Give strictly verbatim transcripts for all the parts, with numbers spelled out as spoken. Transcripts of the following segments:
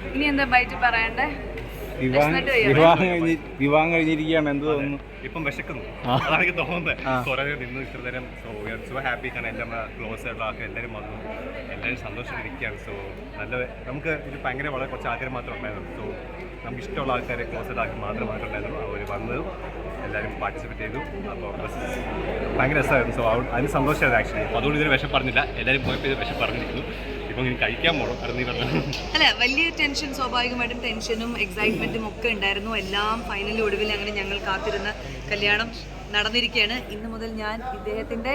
ഇനി എന്താ ബൈറ്റ് പറയണ്ടേ? വിവാഹം കഴിഞ്ഞ് വിവാഹം കഴിഞ്ഞിരിക്കുകയാണ്. എന്ത് തോന്നുന്നു? ഇപ്പം വിശക്കുന്നു, അതാണ് എനിക്ക് തോന്നുന്നത്. കുറേ നിന്ന് ഇത്ര നേരം. So we are so happy. കാരണം എൻ്റെ നമ്മുടെ ക്ലോസ് ആയിട്ടുള്ള ആൾക്കാർ എല്ലാവരും വന്നു, എല്ലാവരും സന്തോഷമായിട്ടിരിക്കുകയാണ്. സോ നല്ല നമുക്ക് ഇത് ഭയങ്കര വളരെ കുറച്ച് ആൾക്കാർ മാത്രമേ ഉണ്ടായിരുന്നു. സോ നമുക്ക് ഇഷ്ടമുള്ള ആൾക്കാരെ ക്ലോസ് ആയിട്ട് ആൾക്കാർ മാത്രമായിട്ടുണ്ടായിരുന്നു. അവർ വന്നതും എല്ലാവരും പാർട്ടിസിപ്പേറ്റ് ചെയ്തു. അപ്പോൾ ഭയങ്കര രസമായിരുന്നു. സോ അതിന് സന്തോഷമായിരുന്നു ആക്ച്വലി. അപ്പോൾ അതുകൊണ്ട് ഇതിന് വിഷം പറഞ്ഞില്ല, എല്ലാവരും പോയപ്പോൾ ഇത് വിഷം പറഞ്ഞിരിക്കുന്നു. ഇപ്പം ഇനി കഴിക്കാൻ പോകണം. അത് പറഞ്ഞു അല്ല, വലിയ ടെൻഷൻ, സ്വാഭാവികമായിട്ടും ടെൻഷനും എക്സൈറ്റ്മെന്റും ഒക്കെ ഉണ്ടായിരുന്നു. എല്ലാം ഫൈനലി ഒടുവിൽ അങ്ങനെ ഞങ്ങൾ കാത്തിരുന്ന കല്യാണം നടന്നിരിക്കുകയാണ്. ഇന്ന് മുതൽ ഞാൻ ഇദ്ദേഹത്തിന്റെ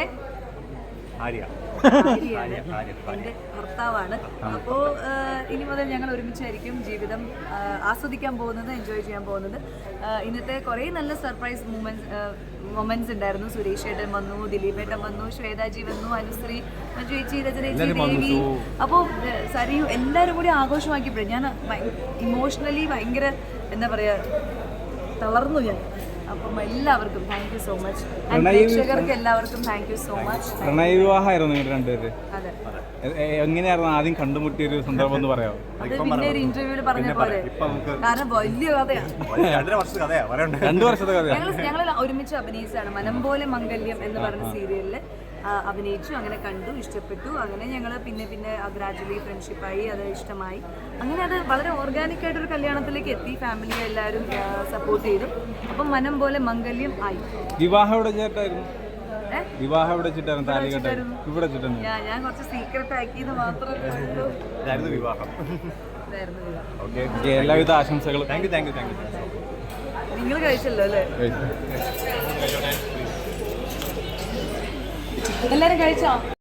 എൻ്റെ ഭർത്താവാണ്. അപ്പോൾ ഇനി മുതൽ ഞങ്ങൾ ഒരുമിച്ചായിരിക്കും ജീവിതം ആസ്വദിക്കാൻ പോകുന്നത്, എൻജോയ് ചെയ്യാൻ പോകുന്നത്. ഇന്നത്തെ കുറേ നല്ല സർപ്രൈസ് മൂമെന്റ്സ് മൊമെന്റ്സ് ഉണ്ടായിരുന്നു. സുരേഷ് ഏട്ടൻ വന്നു, ദിലീപ് ഏട്ടൻ വന്നു, ശ്വേതാജി വന്നു, അനുശ്രീ, മഞ്ജു ചേച്ചി, രചനേച്ചി, ദേവി, അപ്പോൾ സരിയു എല്ലാവരും കൂടി ആഘോഷമാക്കിയപ്പോഴും ഞാൻ ഇമോഷണലി ഭയങ്കര എന്താ പറയുക തളർന്നു ഞാൻ. അപ്പം എല്ലാവർക്കും താങ്ക് യു സോ മച്ച്. പ്രേക്ഷകർക്ക് എല്ലാവർക്കും താങ്ക് യു സോ മച്ച്. പ്രണയ വിവാഹമായിരുന്നു നിങ്ങൾ രണ്ടുപേര്. അതെ, എങ്ങനെയായിരുന്നു ആദ്യം കണ്ടുമുട്ടിയ ഒരു സന്ദർഭം എന്ന് പറയാമോ? അത് പിന്നെ ഒരു ഇന്റർവ്യൂവിൽ പറഞ്ഞ പോലെ, കാരണം വലിയ കഥയാണ്. രണ്ടു വർഷത്തെ കഥയാണ്. ഞങ്ങൾ ഞങ്ങൾ ഒരുമിച്ച് അഭിനയിച്ചാണ്. മനം പോലെ മംഗല്യം എന്ന് പറഞ്ഞ സീരിയലിൽ അഭിനയിച്ചു. അങ്ങനെ കണ്ടു, ഇഷ്ടപ്പെട്ടു. അങ്ങനെ ഞങ്ങൾ പിന്നെ പിന്നെ ഗ്രാജുവലി ഫ്രണ്ട്ഷിപ്പായി, അത് ഇഷ്ടമായി. അങ്ങനെ അത് വളരെ ഓർഗാനിക് ആയിട്ടൊരു കല്യാണത്തിലേക്ക് എത്തി. ഫാമിലി എല്ലാവരും സപ്പോർട്ട് ചെയ്തു. അപ്പം മനം പോലെ മംഗല്യം ആയി. വിവാഹം എവിടെ ചേട്ടായിരുന്നു? വിവാഹം എവിടെ വെച്ചിട്ടായിരുന്നു? താലി കെട്ടായിരുന്നു ഇവിടെ വെച്ചിട്ടായിരുന്നു. ഞാൻ കുറച്ച് സീക്രട്ട് ആക്കിയത് മാത്രമേ ഉള്ളൂ. ഇതായിരുന്നു വിവാഹം. ഇതായിരുന്നു വിവാഹം. ഓക്കെ, എല്ലാവിധ ആശംസകളും. Thank you thank you thank you. നിങ്ങൾ കഴിച്ചല്ലോ അല്ലേ? എല്ലാരും കഴിച്ചോ?